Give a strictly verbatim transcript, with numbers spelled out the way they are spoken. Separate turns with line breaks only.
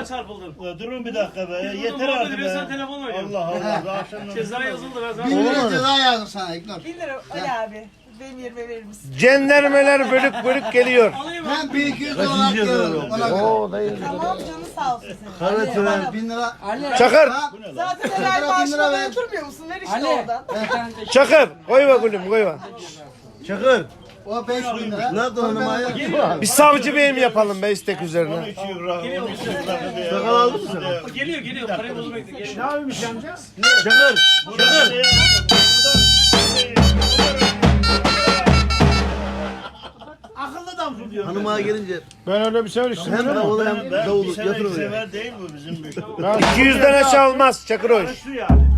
Telefona çarpıldım.
Durun bir dakika be.
Biz
Yeter
burada
artık
muhabbeti,
be.
ben sana telefonla oynuyorum.
Allah Allah. Daha akşamdan-
Ceza yazıldı ben sana.
Bin lira
Olmadı.
ceza yazdım sana İknur.
bin lira Ali abi. Benim yerime verir misin?
Cendermeler bölük bölük geliyor.
Alayım
Ben bin iki yüz dolar diyorum. Ona göre.
Oo dayı.
Tamam canı sağ olsun senin.
Kara
Ali,
tren
bana-
bin lira.
Çakır.
Ha?
Zaten
Bin lira,
helal
bin lira
maaşına
ver.
götürmüyor musun? Ver işte
Ali.
oradan.
Çakır. Koyma gülüm koyma.
Çakır.
O beş bin lira.
Nerede hanım ayağı?
Bir savcı beyim yapalım be istek
on
üzerine.
üç euro.
Geliyor
on
mu?
üç euro diye. Sakal aldın mı sen?
Geliyor geliyor. Parayı bozmak geliyor.
Ne yapayım amca? Çakır. Çakır. Akıllı adamsın diyor.
Hanıma gelince
Ben öyle bir şey düşünmüyorum.
hem davulu
Ben,
hem
ben bir
davulu
sene
yatır oraya.
sever değil mi bizim bir?
iki yüzden aşağı olmaz Çakır hoş.
Şu yani.